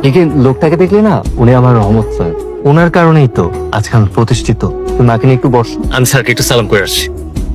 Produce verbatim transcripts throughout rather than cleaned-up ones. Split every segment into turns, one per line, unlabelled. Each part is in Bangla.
लेकिन লোকটাকে দেখলে না উনি আমার রহমত স্যার, ওনার কারণেই তো আজকে আমি প্রতিষ্ঠিত। তুমি মাকে নিয়ে একটু বসো, আমি স্যারকে একটু সালাম করে আসছি।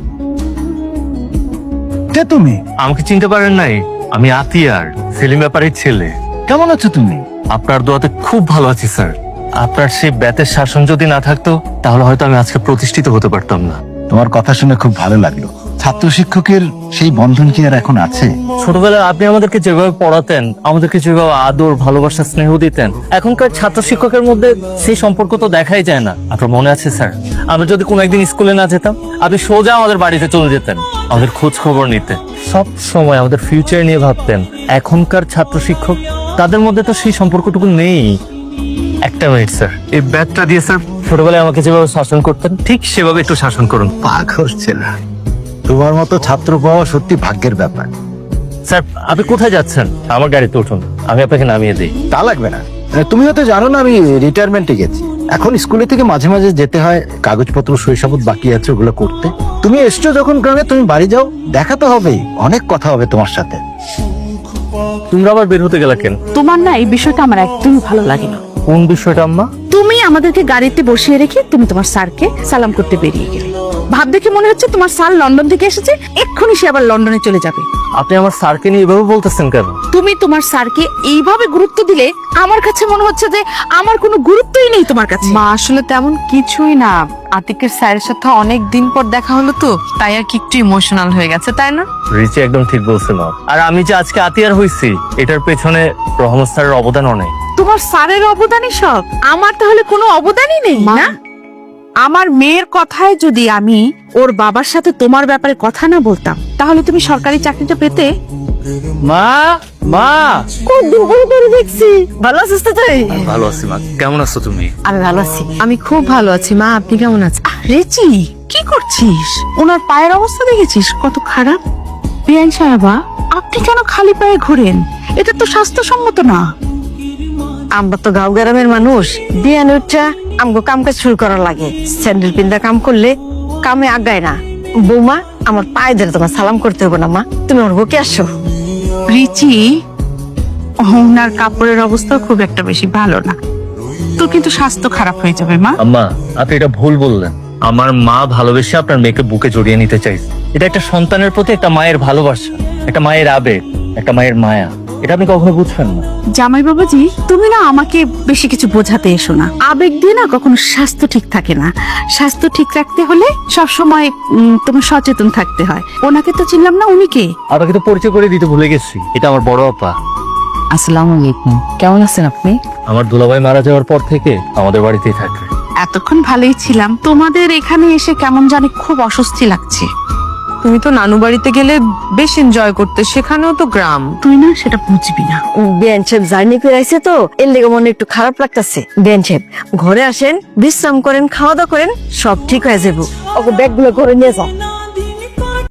কে তুমি?
আমাকে চিনতে পারেন নাই? আমি আতিয়ার, সেলিম ব্যাপারীর ছেলে।
কেমন আছো তুমি?
আপনার দোয়াতে খুব ভালো আছি স্যার। আপনার সেই ব্যাতের শাসন যদি না থাকতো তাহলে হয়তো আমি আজকে প্রতিষ্ঠিত হতে পারতাম না।
তোমার কথা শুনে খুব ভালো লাগলো। ছাত্র শিক্ষকের সেই বন্ধন কি আর এখন আছে?
ছোটবেলায় আপনি আমাদেরকে যেভাবে পড়াতেন, আমাদেরকে যেভাবে আদর ভালোবাসা স্নেহ দিতেন, এখনকার ছাত্র শিক্ষকের মধ্যে সেই সম্পর্ক তো দেখাই যায় না। আপনার মনে আছে স্যার, আমরা যদি কোনো একদিন স্কুলে না যেতাম, আপনি সোজা আমাদের বাড়িতে চলে যেতেন আমাদের খোঁজ খবর নিতে, সব সময় আমাদের ফিউচার নিয়ে ভাবতেন। এখনকার ছাত্র শিক্ষক, তাদের মধ্যে তো সেই সম্পর্কটুকু নেই। একটা মিনিট স্যার, এই ব্যাগটা দিয়ে স্যার ছোটবেলায় আমাকে যেভাবে শাসন করতেন ঠিক সেভাবে একটু শাসন করুন।
পাগল ছেলে, তোমার মতো ছাত্র পাওয়া সত্যি ভাগ্যের ব্যাপার।
স্যার আপনি কোথায় যাচ্ছেন? আমার গাড়িতে উঠুন, আমি আপনাকে নামিয়ে দিই।
তা লাগবে না, তুমি হয়তো জানো না আমি রিটায়ারমেন্টে গেছি। এখন স্কুলে থেকে মাঝে মাঝে যেতে হয়, কাগজপত্র শৈশবত বাকি আছে ওগুলো করতে। তুমি এসছো যখন গ্রামে, তুমি বাড়ি যাও, দেখা তো হবেই, অনেক কথা হবে তোমার সাথে।
তোমরা আবার বের হতে গেলা কেন?
তোমার না এই বিষয়টা আমার একদমই ভালো লাগে না।
কোন বিষয়টা আম্মা?
তুমি আমাদেরকে গাড়িতে বসিয়ে রেখে তুমি তোমার স্যারকে সালাম করতে বেরিয়ে গেলে। ভাব দেখে মনে হচ্ছে তোমার স্যার লন্ডন থেকে এসেছে, এক্ষুনি সে আবার লন্ডনে চলে যাবে।
আপনি আমার স্যারকে নিয়ে এভাবে বলতেছেন কেন?
তুমি তোমার স্যারকে এইভাবে গুরুত্ব দিলে আমার কাছে মনে হচ্ছে যে আমার কোনো গুরুত্বই নেই তোমার কাছে।
মা আসলে তেমন কিছুই না, আতিকের স্যারের সাথে অনেক দিন পর দেখা হলো তো, তাই আর কি একটু ইমোশনাল হয়ে গেছে, তাই না?
রিচি একদম ঠিক বলছে মা। আর আমি যে আজকে আতিয়ার হইছি, এটার পেছনে রহমত স্যারের অবদান অনেক।
তোমার স্যারের অবদানই সব, আমার তাহলে কোনো অবদানই নেই না? আমার মেয়ের কথায় যদি আমি ওর বাবার সাথে তোমার ব্যাপারে কথা না বলতাম, তাহলে তুমি সরকারি চাকরিটা পেতে।
মা, মা,
দেখছি ভালো আছিস তো তুই?
ভালো আছি মা, কেমন আছো তুমি?
আমি ভালো আছি, আমি খুব ভালো আছি। মা আপনি কেমন আছেন?
রেচি কি করছিস? ওনার পায়ের অবস্থা দেখেছিস কত খারাপ? বিয়ান সাহেবা, আপনি কেন খালি পায়ে ঘোরেন? এটা তো স্বাস্থ্যসম্মত না।
আমরা তো গাঁও গ্রামের মানুষ, বিয়ান উঠা আমগো কাম কাজ শুরু করা লাগে। স্যান্ডেল পিন্দা কাম করলে কামে আগায় না। বৌমা, আমার পায়ে ধরে তোমার সালাম করতে হবে না মা, তুমি আমার বুকে আসো।
রিচি, ওনার কাপড়ের অবস্থা খুব একটা বেশি ভালো না, তো কিন্তু স্বাস্থ্য খারাপ হয়ে যাবে মা।
আম্মা আপনি এটা ভুল বললেন। আমার মা ভালোবেসে আপনার মেয়েকে বুকে জড়িয়ে নিতে চাইছে। এটা একটা সন্তানের প্রতি একটা মায়ের ভালোবাসা, একটা মায়ের আবেগ, একটা মায়ের মায়া। এটা আপনি কখনো বুঝবেন না।
জামাই বাবাজি, তুমি না আমাকে বেশি কিছু বোঝাতে এসো না। আবেগ দিয়ে না কখনো স্বাস্থ্য ঠিক থাকে না। স্বাস্থ্য ঠিক রাখতে হলে সব সময় তোমার সচেতন থাকতে হয়। ওনাকে তো চিনলাম না, উনি কে?
আপনাকে তো পরিচয় করে দিতে ভুলে গেছি, এটা আমার বড় আপা।
আসসালামু আলাইকুম, কেমন আছেন আপনি?
আমার দুলাভাই মারা যাওয়ার পর থেকে আমাদের বাড়িতেই থাকে।
এতক্ষণ ভালোই ছিলাম, তোমাদের এখানে এসে কেমন জানি খুব অস্বস্তি লাগছে।
তুমি তো নানু বাড়িতে গেলে বেশ এনজয় করতে, সেখানেও তো গ্রাম।
তুই না সেটা বুঝবি না।
বেন সাহেব জার্নি করে আইছে তো, এর লেগে মনে একটু খারাপ লাগতেছে। বেন সাহেব ঘরে আসেন, বিশ্রাম করেন, খাওয়া দাওয়া করেন, সব ঠিক হয়ে যাবো। ওকে ব্যাগ গুলো করে নিয়ে যাও।